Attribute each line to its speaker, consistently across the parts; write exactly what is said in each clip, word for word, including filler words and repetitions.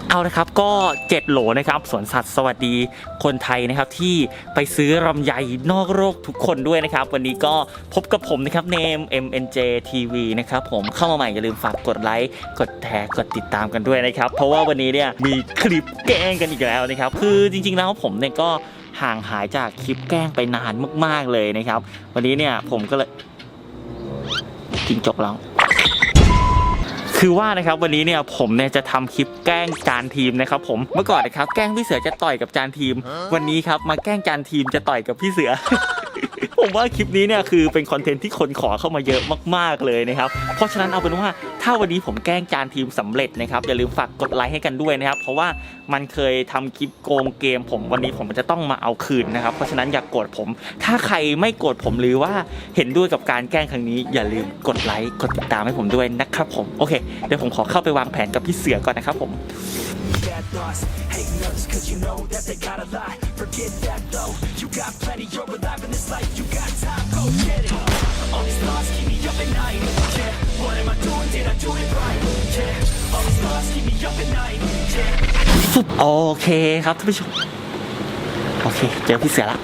Speaker 1: เอาละครับก็เจ็ดโหลนะครับสวนสัตว์สวัสดีคนไทยนะครับที่ไปซื้อลำไยนอกโลกทุกคนด้วยนะครับวันนี้ก็พบกับผมนะครับเนม เอ็ม เอ็น เจ ที วี นะครับผมเข้ามาใหม่อย่าลืมฝากกดไลค์กดแชร์กดติดตามกันด้วยนะครับเพราะว่าวันนี้เนี่ยมีคลิปแกล้งกันอีกแล้วนะครับคือจริงๆแล้วผมเนี่ยก็ห่างหายจากคลิปแกล้งไปนานมากๆเลยนะครับวันนี้เนี่ยผมก็เลยจริงจบแล้วคือว่านะครับวันนี้เนี่ยผมเนี่ยจะทำคลิปแกล้งจานทีมนะครับผมเมื่อก่อนนะครับแกล้งพี่เสือจะต่อยกับจานทีมวันนี้ครับมาแกล้งจานทีมจะต่อยกับพี่เสือ ผมว่าคลิปนี้เนี่ยคือเป็นคอนเทนต์ที่คนขอเข้ามาเยอะมากๆเลยนะครับเพราะฉะนั้นเอาเป็นว่าถ้าวันนี้ผมแกล้งจานทีมสำเร็จนะครับอย่าลืมฝากกดไลค์ให้กันด้วยนะครับเพราะว่ามันเคยทำคลิปโกงเกมผมวันนี้ผมจะต้องมาเอาคืนนะครับเพราะฉะนั้นอย่ากโกรธผมถ้าใครไม่โกรธผมหรือว่าเห็นด้วยกับการแกล้งครั้งนี้อย่าลืมกดไลค์กดติดตามให้ผมด้วยนะครับผมโอเคเดี๋ยวผมขอเข้าไปวางแผนกับพี่เสือก่อนนะครับผมโอเคครับท่านผู้ชมโอเคเจอพี่เสือละ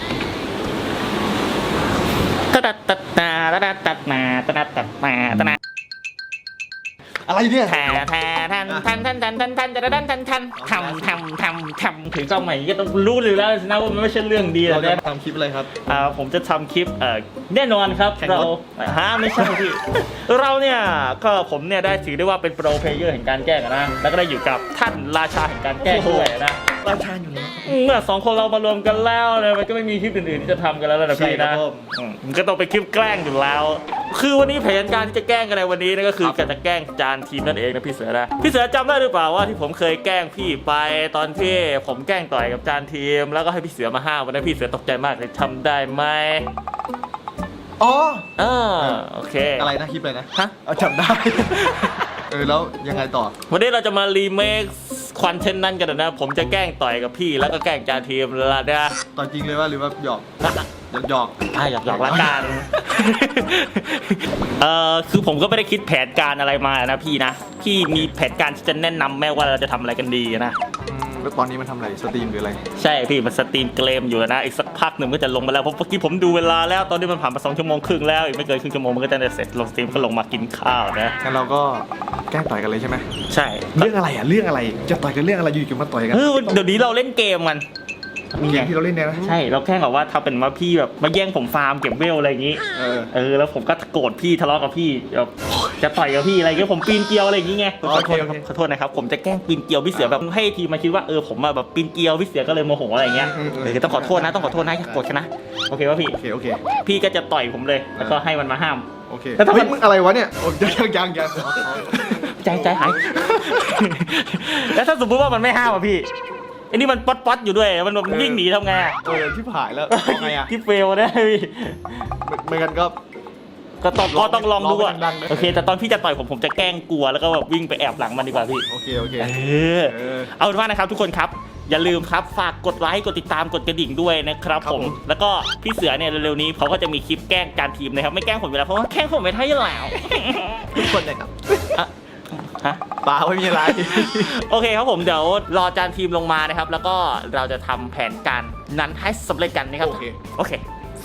Speaker 1: ตัดตัดนาตัดตัดนาตัดตัดนาตัดนา
Speaker 2: อะไรเนี่ย
Speaker 1: แทนแทนแทนแทนแทนแทนแทนแทนจะดันแทนแทนทำทำทำทำถึงกล้องใหม่ก็ต้องรู้เลยแล้วนะว่ามันไม่ใช่เรื่องดีแล้วเนี่ย
Speaker 2: ทำคลิปอะไรครับ
Speaker 1: อ่าผมจะทำคลิปเอ่อแน่นอนครับเราฮะไม่ใช่พี่เราเนี่ยก็ผมเนี่ยได้ถือได้ว่าเป็นโปรเพลเยอร์แห่งการแกล้งนะแล้วก็ได้อยู่กับท่านราชาแห่งการแกล้งด้วยนะ
Speaker 2: ราชาอยู่แล้ว
Speaker 1: เมื่อสองคนเรามารวมกันแล้วเนี่ยมันก็ไม่มีคลิปอื่นๆที่จะทำกันแล้วนะพี่นะมันก็ต้องเป็นคลิปแกล้งอยู่แล้วคือวันนี้แผนการที่จะแกล้งกันในวันนี้นั่นก็คือการจะแกล้งจานทีมนั่นเองนะพี่เสือนะพี่เสือจำได้หรือเปล่าว่าที่ผมเคยแกล้งพี่ไปตอนที่ผมแกล้งต่อยกับจานทีมแล้วก็ให้พี่เสือมาห้ามวันนั้นพี่เสือตกใจมากเลยทำได้ไหม
Speaker 2: อ๋อ
Speaker 1: เออโอเค
Speaker 2: อะไรนะคลิปอะไรนะ
Speaker 1: ฮะ
Speaker 2: เอาจำได้เออแล้วยังไงต่อ
Speaker 1: วันนี้เราจะมารีเมคคอนเทนต์นั้นกันนะผมจะแกล้งต่อยกับพี่แล้วก็แกล้งจานทีมแล้วนะ
Speaker 2: ต่อยจริงเลยว่าหรือว่าหยอกหยอก
Speaker 1: อ่ะหยอกหยอกละกันเอ่อคือผมก็ไม่ได้คิดแผนการอะไรมานะพี่นะพี่มีแผนการที่จะแนะนำแม่ว่าเราจะทำอะไรกันดีนะ
Speaker 2: แล้วตอนนี้มันทำอะไรสตรีมหรืออะไร
Speaker 1: ใช่พี่มันสตรีมเกมอยู่นะอีกสักพักหนึ่งก็จะลงมาแล้วเพราะเมื่อกี้ผมดูเวลาแล้วตอนนี้มันผ่านมาสองชั่วโมงครึ่งแล้วอีกไม่เกินครึ่งชั่วโมงมันก็จะเสร็จลงสตรีมก็ลงมากินข้าวนะ
Speaker 2: งั้นเราก็แกล้งต่อยกันเลยใช่ไหม
Speaker 1: ใช่
Speaker 2: เรื่องอะไรอ่ะเรื่องอะไรจะต่อยกันเรื่องอะไรอยู่ๆมาต่อยกัน
Speaker 1: เออเดี๋ยวนี้เราเล่นเกมกัน
Speaker 2: เกมที่เราเล่นเนี่ยนะ
Speaker 1: ใช่เราแค่แบบว่าทำเป็นว่าพี่แบบมาแย่งผมฟาร์มเก็บเวลอะไรอย่างนี้
Speaker 2: เออ
Speaker 1: เออแล้วผมก็โกรธพี่ทะเลาะกับพี่แบบจะต่อยกับพี่อะไรเงี้ยผมปีนเกลียวอะไรอย่างงี้ไงขอโทษขอโทษนะครับผมจะแกล้งปีนเกลียวพี่เสือแบบให้ทีมาคิดว่าเออผมแบบปีนเกลียวพี่เสือก็เลยโมโหอะไรเงี้ยเออต้องขอโทษนะต้องขอโทษนะอย่าโกรธฉันนะโอเคป่ะพี่
Speaker 2: โอเคโอเค
Speaker 1: พี่ก็จะต่อยผมเลยแล้วก็ให้มันมาห้าม
Speaker 2: โอเคแล้วมึงอะไรวะเนี่ยโอ้ยังยังยัง
Speaker 1: ใจใจหายแล้วถ้าสมมติว่ามันไม่ห้ามอ่ะพี่อันนี้มันป๊อตป๊อตอยู่ด้วยมันแบบวิ่งหนีทำไง
Speaker 2: เออที่ผ่ายแล้วไงอ่ะ
Speaker 1: ที่เฟลได้พี่
Speaker 2: เหมือนกันก็
Speaker 1: ก็ต้องก็ต้องลองดูอ่ะโอเคแต่ตอนพี่จะต่อยผมผมจะแกล้งกลัวแล้วก็แบบวิ่งไปแอบหลังมันดีกว่าพี่
Speaker 2: โอเคโอเค
Speaker 1: เออเอาเป็นว่านะครับทุกคนครับอย่าลืมครับฝากกดไลค์กดติดตามกดกระดิ่งด้วยนะครับผมแล้วก็พี่เสือเนี่ยเร็วๆนี้เขาก็จะมีคลิปแกล้งจานทีมนะครับไม่แกล้งผมอยู่แล้วเพราะว่าแกล้งผมไม่ได้อยู่แล้ว
Speaker 2: ทุกคนเลยครับ
Speaker 1: ฮะ
Speaker 2: เปล่าไม่มีอะไร
Speaker 1: โอเคครับผมเดี๋ยวรอจานทีมลงมานะครับแล้วก็เราจะทำแผนการนั้นให้สำเร็จกันนะครับ
Speaker 2: โอเค
Speaker 1: โอเค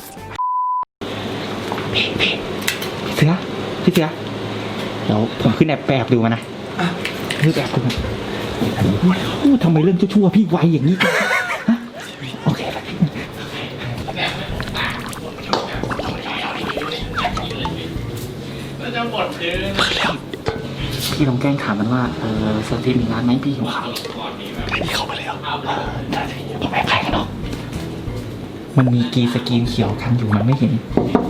Speaker 1: พี่เสือพี่เสือเดี๋ยวผมขึ้นแอบแอบดูมานะขึ้นแอบดูมาทำไมเรื่องชั่วๆพี่ไวอย่างนี้โอเคจะหมดเดือนพี่ลองแกล้งถามมันว่าเออสตรีมมีร้านไหมพี่หิวข้าว
Speaker 2: พี่เข้าไปแล้ว
Speaker 1: ผมแอบถ่ายกันเนาะมันมีกีสกรีนเขียวกันอยู่มันไม่เห็น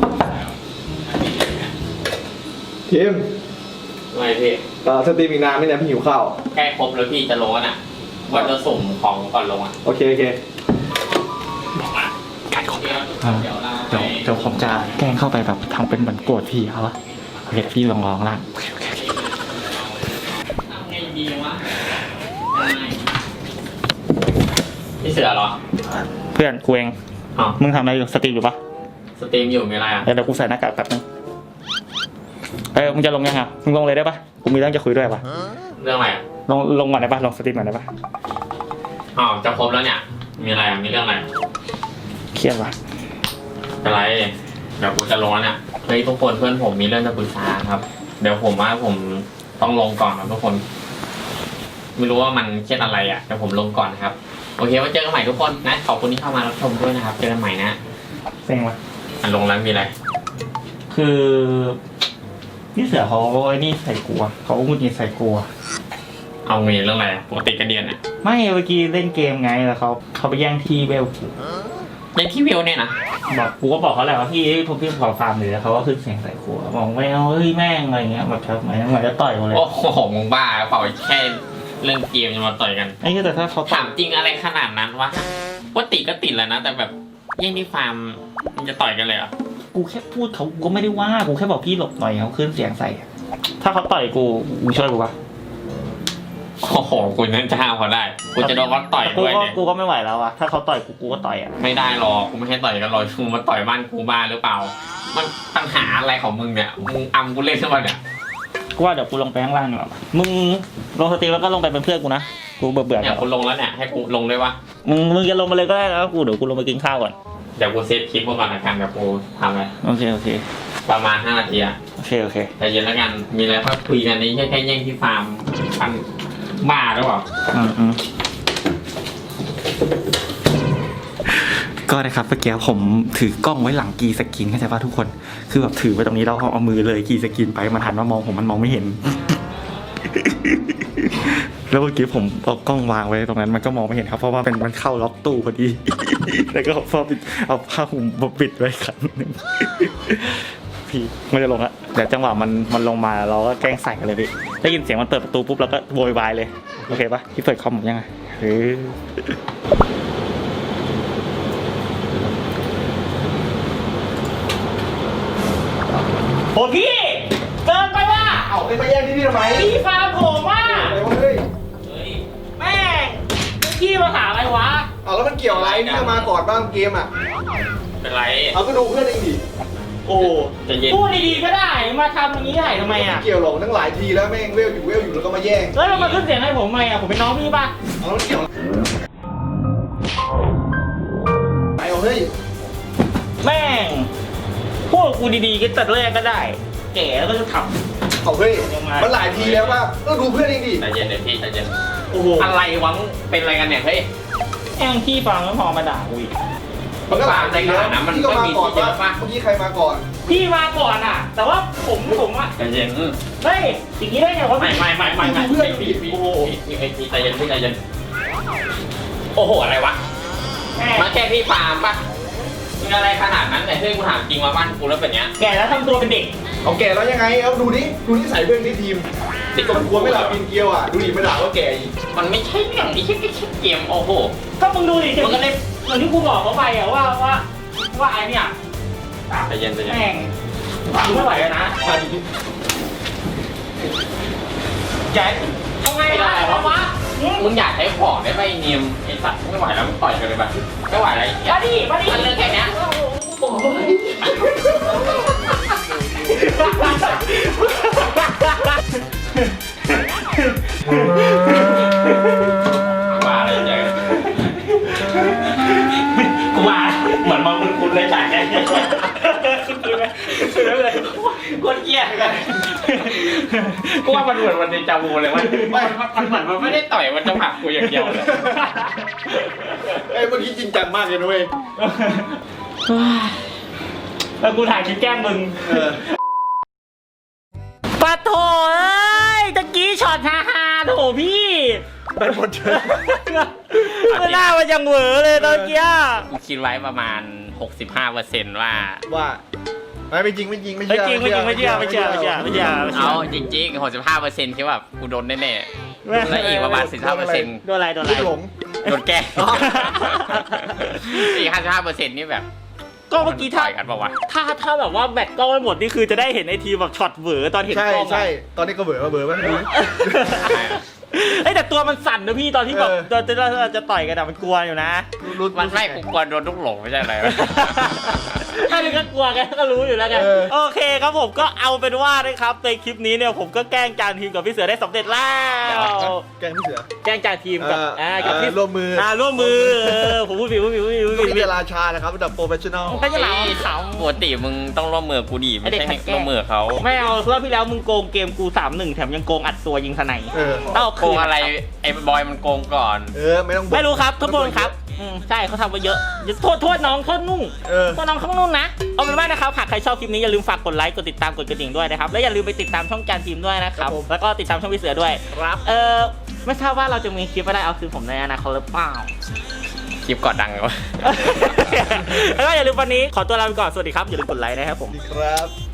Speaker 2: ทีม
Speaker 3: ไม่พี่
Speaker 2: ต่อสตรีมอีกนานไหมเนี่ยพี่หิวข้าว
Speaker 3: แค่ครบแล้วพี่จะร้อนอ่ะวันจะส่งของก่อนลงอ่ะ
Speaker 2: โอเคโอเค
Speaker 1: บอกว่าการขอเดี๋ยวเดี๋ยวเดี๋ยวผมจะแกล้งเข้าไปแบบทำเป็นเหมือนโกรธพี่เขาอะโอเคพี่ลองลองล่าง
Speaker 3: ไงดีวะพี่เสือเหรอ
Speaker 1: เพื่อนกูเองมึงทำอะไรอยู่สตรีมอยู่ปะ
Speaker 3: สตรีมอยู่มีอะไรอ่ะ
Speaker 1: เดี๋ยวกูใส่หน้ากากแป๊บนึงเอ้ยมึงจะลงยังอ่ะมึงลงเลยได้ปะกูมีเรื่องจะคุยด้วยปะ
Speaker 3: เรื่องอะไรอ่ะ
Speaker 1: ลงลงก่อนได้ปะลงสตรีมก่อนได้ปะ
Speaker 3: อ้าวจะครบแล้วเนี่ย มีอะไรอ่ะมีเรื่องอะไร
Speaker 1: เครียดปะ
Speaker 3: อะไรเดี๋ยวกูจะลงแล้วเนี่ยเฮ้ยทุกคนเพื่อนผมมีเรื่องจะปรึกษาครับ เดี๋ยวผมว่าผมต้องลงก่อนครับทุกคน ไม่รู้ว่ามันเครียดอะไรอ่ะเดี๋ยวผมลงก่อนนะครับโอเคไว้เจอกันใหม่ทุกคนนะขอบคุณที่เข้ามารับชมด้วยนะครับเจอกันใหม่นะ
Speaker 1: เซ็งปะ
Speaker 3: อันลงแล้วมีอะไร
Speaker 1: คือพี่เสือเขาไอ้นี่ใส่กลัวเขาพูดงี้ใส่กลัว
Speaker 3: เอามีเรื่องอะไรปกติกระเดียนอ่ะ
Speaker 1: ไม่เมื่อกี้เล่นเกมไงแล้วเขาเขาไปแย่งที่เวลกู
Speaker 3: ในที่วิวเนี่ยนะ
Speaker 1: บอกกูก็บอกเขาแหละว่าพี่ผมพี่ขอฟาร์มเลยแล้วเขาก็ขึ้นเสียงใส่กลัวบอกไม่เอาเฮ้ยแม่งอะไรเงี้ยแบบทำไมเหมือนจะต่อยกูเลย
Speaker 3: โอ้โหมึงบ้าเปล่าแค่เรื่องเกมจะมาต่อยกัน
Speaker 1: ไอ้เหี้ยแต่ถ้าเขา
Speaker 3: ถามจริงอะไรขนาดนั้นวะว่าติดก็ติดแล้วนะแต่แบบแย่งที่ฟาร์มมันจะต่อยกันเลยเหรอ
Speaker 1: กูแค่พูดเขาก็ไม่ได้ว่ากูแค่บอกพี่หลบหน่อยเขาขึ้นเสียงใส่อะถ้าเขาต่อยกูกูช่วยกูปะ
Speaker 3: โอ้โหกูนั่นจะห้ามเขาได้กูจะโดนเขาต่อย
Speaker 1: กู
Speaker 3: ด้วย
Speaker 1: ก็
Speaker 3: เนี่ย
Speaker 1: กูก็ไม่ไหวแล้วอะถ้าเขาต่อยกูกูก็ต่อยอะ
Speaker 3: ไม่ได้หรอกกูไม่ให้ต่อยกันหรอกมึงมาต่อยบ้านกูบ้าหรือเปล่า มันปัญหาอะไรของมึงเนี่ยมึงอำกูเล่นใช่ไหมเนี่ย
Speaker 1: กูว่าเดี๋ยวกูลงไปข้างล่างดีกว่ามึงลงสตรีมแล้วก็ลงไปเป็นเพื่อนกูนะกูเบื่อเบื่อ
Speaker 3: เนี่ยกูลงแล้วเนี่ยให้กูลงด้วยวะ
Speaker 1: มึงมึงจะลงมาเลยก็ได้แล้วกูเดี๋ยวกูลงไปกินข้าวก่อน
Speaker 3: เดี๋ยวกูเซฟคลิปก่อนละกันเดี๋ยวกูทำเลย
Speaker 1: โอเคโอเค
Speaker 3: ประมาณห้านาทีอะ
Speaker 1: โอเคโอเค
Speaker 3: ใจเย็นแล้วกันมีอะไรก็คุยกันนี้แค่แค่แย่งที่ฟาร์มปันบ้าหรือเปล่า
Speaker 1: อืมอืมก็นะครับเมื่อกี้ผมถือกล้องไว้หลังกีสกินเข้าใจป่ะทุกคนคือแบบถือไว้ตรงนี้แล้วเอามือเลยกีสกินไปมันหันมามองผมมันมองไม่เห็น แล้วเมื่อกี้ผมเอากล้องวางไว้ตรงนั้นมันก็มองไม่เห็นครับเพราะว่าเป็นมันเข้าล็อกตู้พอดี แล้วก็พอปิดเอาผ้าห่มมาปิดไว้ครั้งหนึ่ง พี่มันจะลงละเดี๋ยวจังหวะมันมันลงมาเราก็แกล้งใส่กันเลยพี่ได้ยินเสียงมันเปิดประตูปุ๊บเราก็โวยวายเลยโอเคปะพี่เปิดคอมผมยังไงเฮ้ยโอ้พี่เกินไปว่ะ
Speaker 2: เอาไปมาแย่งที่นี่ทำไม
Speaker 1: พี่ฟาร์มผมว่ะ
Speaker 2: อะไรวะเฮ้ย
Speaker 3: เฮ้ย
Speaker 1: แม่งพี่มาหาอะไรวะ
Speaker 2: เอาแล้วมันเกี่ยวอะไรนี่ก็มาก่อนบ้างเกมอ่ะ
Speaker 3: เป็นไร
Speaker 2: เอาก็ดูเพื่อนเองดิ
Speaker 1: โอ้
Speaker 3: ใจเย็น
Speaker 1: พูดดีๆก็ได้มาทำอย่างนี้ได้ทำไมอ่ะ
Speaker 2: เกี่ยวหรอกตั้งหลายทีแล้วแม่งเวลอยู่เวลอยู่แล้วก็มาแย่ง
Speaker 1: แล้วเรามาขึ้นเสียงให้ผมทำไมอ่ะผมเป็นน้องพี่ป่ะ
Speaker 2: เอาแล้วมันเกี่ยวไปเอาเฮ้ย
Speaker 1: แม่งพูดกูดีๆก็ตัดแรกก็ได้ แก่แล้วก็จะท
Speaker 2: เอาเฮ้ยมันหลายทีแล้วป่ะก็ดูเพื่อนเองดิ
Speaker 3: ใจเย็นเดี๋ยวพี่ใจเย็น
Speaker 1: ำโอ้โห
Speaker 3: อะไรวะเป็นอะไรกันเนี่ยเฮ้ย
Speaker 1: แองพี่ฟังแล้วพอมาด่ากูอีก
Speaker 2: มันก็หลายทีแล้ว
Speaker 3: มัน
Speaker 2: พี่ก็มาก่อน
Speaker 3: ก็มีที่เยอะ
Speaker 2: ป่ะ
Speaker 3: ป่ะ
Speaker 2: เมื่อกี้ใครมาก่อน
Speaker 1: พี่มาก่อนอ่ะ แต่ว่าผมผมอ่ะ
Speaker 3: ใจเย็นอืม
Speaker 1: เฮ้ยอย่างนี้ได้ไงวะ
Speaker 3: ไม่ไม่ไม่ไม่ไม่พี่พี่พี่พี่พี่พี่ใจเย็นพี่ใจเย็นโอ้โหอะไรวะ
Speaker 1: แม่
Speaker 3: มาแค่พี่ฟาร์มป่ะมึงอะไรขนาดนั้นเนี่ยเฮ้ยกูถามจริงมาบ้านกูแล้วเป็นเนี้ย
Speaker 1: แก่แล้วทำตัวเป็นเด็ก
Speaker 2: เอาแก่แล้วยังไงเอาดูดิดูนิสัยเพื่อนที่ทีมติดกับกลัวไม่หลับกินเกลียวอ่ะดูดิไม่ด่าว่าแก่อีก
Speaker 3: มันไม่ใช่เรื่องนี้แค่แค่เกมโอ้โห
Speaker 1: ก็มึงดูดิ
Speaker 3: มันก็ได้
Speaker 1: เหมือนที่กูบอกเขาไปอ่ะว่าว่าว่าไอเนี่ย
Speaker 3: ใจเย็นใจเย็น
Speaker 1: แม่งกูไม่ไหวแล้วนะ
Speaker 2: มาดิ
Speaker 1: แกทำไงล่ะวะวะ
Speaker 3: มึงอยากใช้ของได้ไหมเนียมไอ้สัตว์ไม่ไหวแล้วมึงต่อยกันเลยแบบไม่ไหวแล้ว
Speaker 1: มาดิมาดิ
Speaker 3: มันเรื่องแค่เนี้ย
Speaker 1: โอ้โห
Speaker 3: มาอะไรเจอ
Speaker 1: กูมาเหมือนมองคุณคุณเลยจ่ายแค่คุณคุณเลยเลยคนเกลียดกัน
Speaker 3: กูว่ามันเหมือนวันเดจาวูเลยว่ามันเหมือนมันไม่ได้ต่อยมันจะผลักกูอย่างเดียวเลย
Speaker 2: เอ้ยเมื่อกี้จริงจังมากเลยนะเว้ย
Speaker 1: แล้วกูถ่ายคลิปแกล้งมึง
Speaker 2: เออ
Speaker 1: ปะโถเอ้ยตะกี้ช็อตฮาฮาโถพี่
Speaker 2: ได้หมดเถอะ
Speaker 1: ไม่น่ามันยังเหวอเลยตอนกี้
Speaker 3: กูคิดไว้ประมาณ หกสิบห้าเปอร์เซ็นต์ ว่า
Speaker 2: ว่าไม่ไม่จริงไม่จริงไม่
Speaker 1: ไม่
Speaker 2: เชื่อ
Speaker 1: จริงไม่จริงไม่เชื่อไม่เชื่อไม่เชื่อไม่เชื่อไม่เชื่
Speaker 3: เอา
Speaker 1: อ
Speaker 3: จริงๆ หกสิบห้าเปอร์เซ็นต์ คิดว่ากูโดนแน่ๆแล้วอีกประมาณ สิบห้าเปอร์เซ็นต์
Speaker 1: โดนอะไรโดนอะไร
Speaker 2: ลูกหลง
Speaker 3: โดนแกล้งอีก ห้าสิบห้าเปอร์เซ็นต์ นี่แบบ
Speaker 1: ก็เมื่อกี้ถ้า
Speaker 3: ต่อยกันปะวะ
Speaker 1: ถ้าถ้าแบบว่าแบตกล้องไม่หมดนี่คือจะได้เห็นไอทีแบบช็อตเหวอตอนเห็น
Speaker 2: ใช่
Speaker 1: กล้อง
Speaker 2: ใช่ตอนนี้ก็เบื่อมาเบื่อป่ะดู
Speaker 1: เอ้ยแต่ตัวมันสั่นนะพี่ตอนที่แบบ
Speaker 2: เออ
Speaker 1: ตอนที่เราจะต่อยกันอะมันกลัวอยู่นะ
Speaker 2: รู้
Speaker 3: มันไม่กูกลัวโดนลูกหลงไม่ใช่อะไรวะ
Speaker 1: ถ้านึกก็กลัวกันก็รู้อยู่แล้วไง
Speaker 2: เออ
Speaker 1: โอเคครับผมก็เอาเป็นว่านะครับในคลิปนี้เนี่ยผมก็แกล้งจานทีมกับพี่เสือได้สำเร็จแล้ว
Speaker 2: แกงพี่เสือ
Speaker 1: แกล้งจานทีมกับ
Speaker 2: เออ
Speaker 1: อ่ากับพี่
Speaker 2: เออร่วมมืออ่
Speaker 1: าร่วมมือเออผมพูดผิดพูดผิดพูดผิดพูด
Speaker 2: ก็
Speaker 1: ผิด
Speaker 2: มีราชานะครับระดับโปรเฟชชั่นอล
Speaker 1: ก็จะเหลา
Speaker 3: ไอ้
Speaker 1: เขา
Speaker 3: ปกติมึงต้องร่วมมือกูดีไม่
Speaker 1: ไอ้เด็ก
Speaker 3: ใช่
Speaker 1: ขัดแย้ง
Speaker 3: ร่วมมือเขา
Speaker 1: ไม่เอารอบที่แล้วมึงโกงเกมกู สามหนึ่ง แถมยังโกงอัดตัวยิงสไนป์
Speaker 2: เออ
Speaker 1: ต้องเอา
Speaker 3: โก
Speaker 1: คืน
Speaker 3: งอะไรไอ้บอยมันโกงก่อน
Speaker 2: เออไม่ต้องบ่น
Speaker 1: ไม่รู้ครับทุกคนครับอืมใช่เขาทำมาเยอะอย่าโทษโทษน้องโทษนุ่ง
Speaker 2: เออ
Speaker 1: โทษน้องข้างนุ่นนะเอาเป็นว่านะครับหากใครชอบคลิปนี้อย่าลืมฝากกดไลค์กดติดตามกดกระดิ่งด้วยนะครับและอย่าลืมไปติดตามช่องจานทีมด้วยนะครับแล้วก็ติดตามช่องพี่เสือด้วย
Speaker 2: ครับ
Speaker 1: เออไม่ทราบว่าเราจะมีคลิปอะไรเอาคืนผมในอนาคตหรือเปล่า
Speaker 3: คลิปกอดดังเลยวะ
Speaker 1: แล้วก็อย่าลืมวันนี้ขอตัวลาไปก่อนสวัสดีครับอย่าลืมกดไลค์นะครับผม
Speaker 2: ดีครับ